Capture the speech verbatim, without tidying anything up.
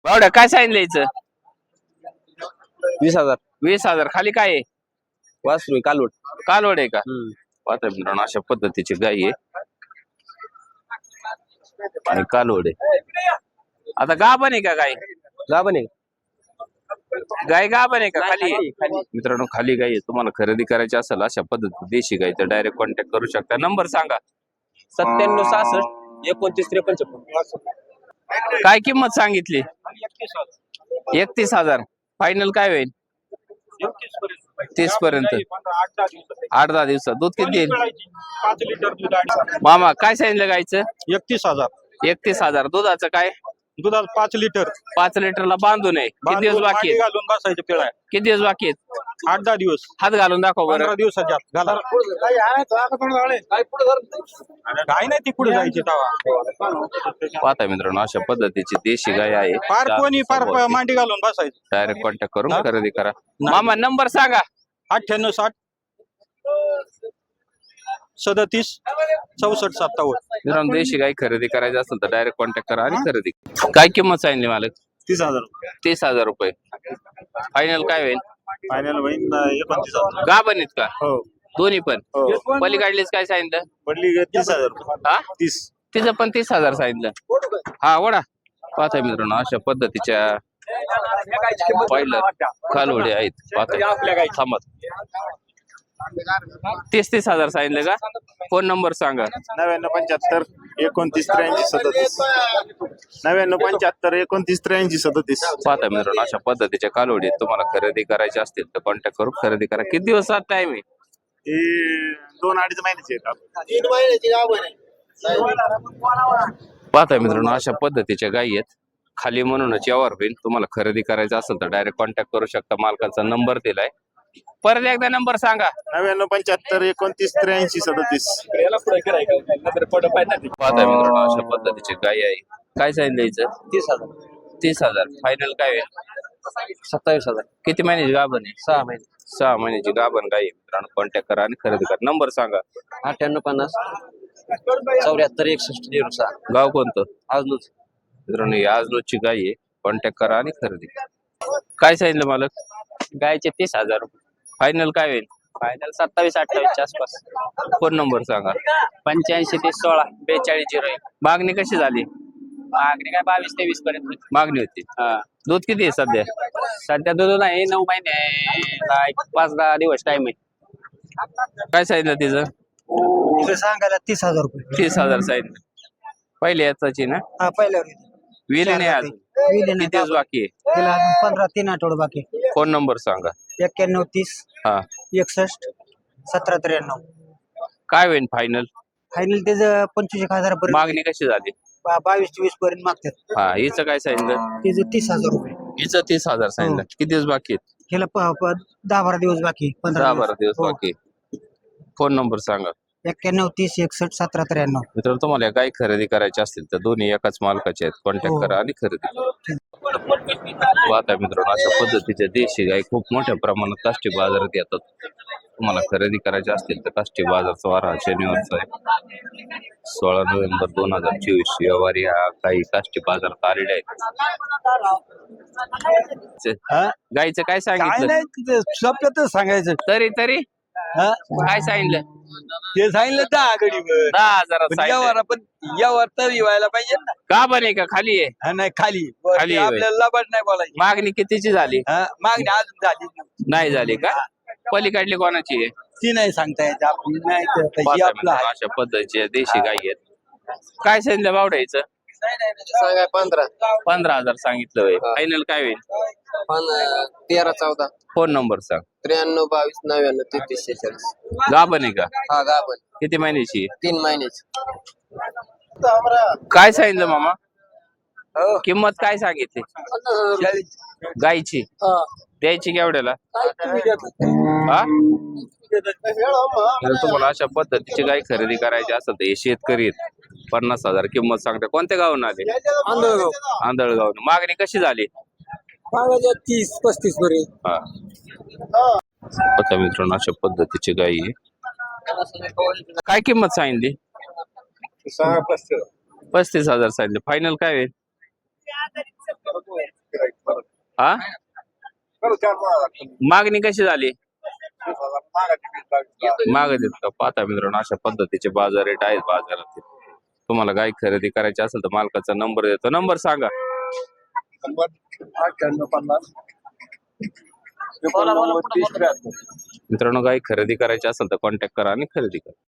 बावड्या काय सांगितलं याचं? वीस हजार. वीस हजार. खाली काय आहे? वासरू आहे, कालवड. कालवड आहे का? पाहता मित्रांनो अशा पद्धतीची गाय आहे आणि कालवड आहे. आता गाभण आहे का गाय? गाभण आहे. गाय गाभण आहे का? खाली आहे? मित्रांनो खाली गाय आहे. तुम्हाला खरेदी करायची असेल अशा पद्धती देशी गाय तर डायरेक्ट कॉन्टॅक्ट करू शकता. नंबर सांगा. सत्त्याण्णव सहासष्ट एकोणतीस त्रेपन्न छप्पन्न. काय किंमत सांगितली? एकतीस हजार. फायनल काय होईल? तीस पर्यंत. आठ दहा दिवसात दूध किती देईल? पाच लिटर दूध. मामा काय सांगितलं गायचं? एकतीस हजार. एकतीस हजार. दुधाचं काय? दुधात पाच लिटर. पाच लिटरला बांधून आहे. किती दिवस बाकी आहेत? घालून बसायचं पिळा. किती दिवस बाकी आहेत? आठ दहा दिवस. हात घालून दाखव बरं. पंधरा दिवसाच्या आत घाला. काय नाही ती पुढे जायची तवा. पाहता मित्रांनो अशा पद्धतीची देशी गाय आहे. फार कोणी फार मांडी घालून बसायचं. डायरेक्ट कॉन्टॅक्ट करून खरेदी करा. मामा नंबर सांगा. अठ्ठ्याण्णव साठ सदतीस चौसष्ट सत्तावन्न. मित्रांनो देशी गाय खरेदी करायची असेल तर डायरेक्ट कॉन्टॅक्ट करा आणि खरेदी. काय किंमत सांगितली मालक? तीस हजार. तीस हजार रुपये. फायनल काय होईल? फायनल होईल एकोणतीस हजार. गाभण आहेत का? हो. दोन्ही पण. हो. पलीकडलीच काय सांगितलं? पडली तीस हजार. हा तीस. तिचं पण तीस हजार सांगितलं. हा वडा. पाहता मित्रांनो अशा पद्धतीच्या पहिलं कालवडे आहेत. पाहता थांबा. तीस तीस हजार सांगितलं का? फोन नंबर सांगा. नव्याण्णव पंच्याहत्तर एकोणतीस त्र्याऐंशी सदतीस. नव्याण्णव पंच्याहत्तर एकोणतीस त्र्याऐंशी सदतीस. पाहता मित्रांनो अशा पद्धतीच्या कालवडी तुम्हाला खरेदी करायची असतील तर कॉन्टॅक्ट करून खरेदी करा. किती दिवसात टाइम आहे? हे दोन अडीच महिन्याचे आहेत. तीन महिन्याची गाभण आहे. पाहता मित्रांनो अशा पद्धतीच्या गायी आहेत. खाली म्हणूनच यावर होईल. तुम्हाला खरेदी करायचं असेल तर डायरेक्ट कॉन्टॅक्ट करू शकता. मालकाचा नंबर दिलाय. परत एकदा नंबर सांगा. नव्याण्णव पंच्याहत्तर एकोणतीस त्र्याऐंशी सदतीस. पाहता मित्रांनो अशा पद्धतीची गाय आहे. काय सांगितलं याचं? तीस हजार. तीस हजार. फायनल काय होईल? सत्तावीस हजार. किती महिन्याची गाभण आहे? सहा महिने. सहा महिन्याची गाभण गाय आहे. मित्रांनो कॉन्टॅक्ट करा आणि खरेदी करा. नंबर सांगा. अठ्ठ्याण्णव पन्नास चौऱ्याहत्तर एकसष्ट झिरो सहा. गाव कोणतं? अजूनच. मित्रांनो ही आजनोची गाय आहे. कॉन्टॅक्ट करा आणि खरेदी करा. काय सांगितलं मालक? गायचे तीस हजार रुपये. फायनल काय होईल? फायनल सत्तावीस अठ्ठावीसच्या आसपास. फोन नंबर सांगा. पंच्याऐंशी तीस सोळा बेचाळीस झिरो एक. मागणी कशी झाली? मागणी काय बावीस तेवीस पर्यंत होती. मागणी होती. दूध किती आहे सध्या? सध्या दूध नाही. नऊ महिने एक पाच दहा दिवस टाइम आहे. काय सांगितलं तिचं? सांगायला तीस हजार रुपये. तीस हजार सांगितलं. पहिले याचाची ना? हा पहिल्यावर विली नाही अजून. किती दिवस बाकी आहे? तिला अजून पंधरा तीन आठवडे बाकी. फोन नंबर सांगा. एक्क्याण्णव तीस हा एकसष्ट सतरा त्र्याण्णव. काय होईल फायनल? फायनल त्याचं पंचवीस एक हजार पर्यंत. मागणी कशी झाली? बा- बावीस चोवीस पर्यंत मागतात. हा हिचं काय सांगितलं? त्याचं तीस हजार रुपये. हिचं तीस हजार सांगितलं. किती दिवस बाकी आहेत? ह्याला प- प- दहा बारा दिवस बाकी. पंधरा दहा बारा दिवस हो. बाकी. फोन नंबर सांगा. एक्क्याण्णव तीस एकसष्ट सतरा त्र्याण्णव. मित्रांनो तुम्हाला काही खरेदी करायची असतील तर दोन्ही एकाच मालकाचे आहेत. कॉन्टॅक्ट हो. करा आणि खरेदी करा. आता मित्रांनो अशा पद्धतीच्या देशी गाय खूप मोठ्या प्रमाणात काष्टी बाजारात येतात. तुम्हाला खरेदी करायची असतील तर काष्टी बाजारचा वार हा शनिवारचा आहे. सोळा नोव्हेंबर दोन हजार चोवीस व्यवहारी हा काही काष्टी बाजारात आलेले आहेत. गायचं काय सांगितलं? सोप्यातच सांगायचं. तरी तरी काय सांगितलं? ते सांगितलं दहा गडीवर. दहा हजारात सांगितलं. पण यावर तरी व्हायला पाहिजे ना. का बने का खाली आहे? हा, नाही खाली खाली आहे. आपल्याला लबाड नाही बोलायची. मागणी कितीची झाली? हा, मागणी अजून झाली नाही. नाही झाली का? पलीकडली कोणाची आहे? ती नाही सांगता येत. आपली नाही तर ही पाहता आपलं मित्रांनो, आहे. अशा पद्धतीचे देशी गाई आहेत. काय सांगितलं बावड्याचं? सांगाय पंधरा. पंधरा हजार सांगितलं होय. फायनल काय होईल? पण तेरा चौदा फोन नंबर सांग. त्र्याण्णव बावीस नव्याण्णव तेहतीस शेहेचाळीस. गाभण आहे का? हा गाभण. किती महिन्याची आहे? तीन महिन्याची. काय सांगितलं मामा? किंमत काय सांगितली गायची? द्यायची केवढ्याला? हा जर तुम्हाला अशा पद्धतीची गाय खरेदी करायची असेल तर हे शेतकरी आहेत. पन्नास हजार किंमत सांगते. कोणत्या गावून आले? आंधळगाव. आंधळगाव. मागणी कशी झाली? मागायच्या तीस पस्तीस पर्यंत. हा आता मित्रांनो अशा पद्धतीची गाय आहे. काय किंमत सांगितली? सहा पस्तीस. पस्तीस हजार सांगितले. फायनल काय होईल? हा मागणी कशी झाली माग देत का पाहता मित्रांनो अशा पद्धतीचे बाजार रेट आहेत बाजारातील. तुम्हाला गाय खरेदी करायची असेल तर मालकाचा नंबर देतो. नंबर सांगा. अठ्ठ्याण्णव पन्नास मित्रांनो गाय खरेदी करायची असेल तर कॉन्टॅक्ट करा आणि खरेदी करा.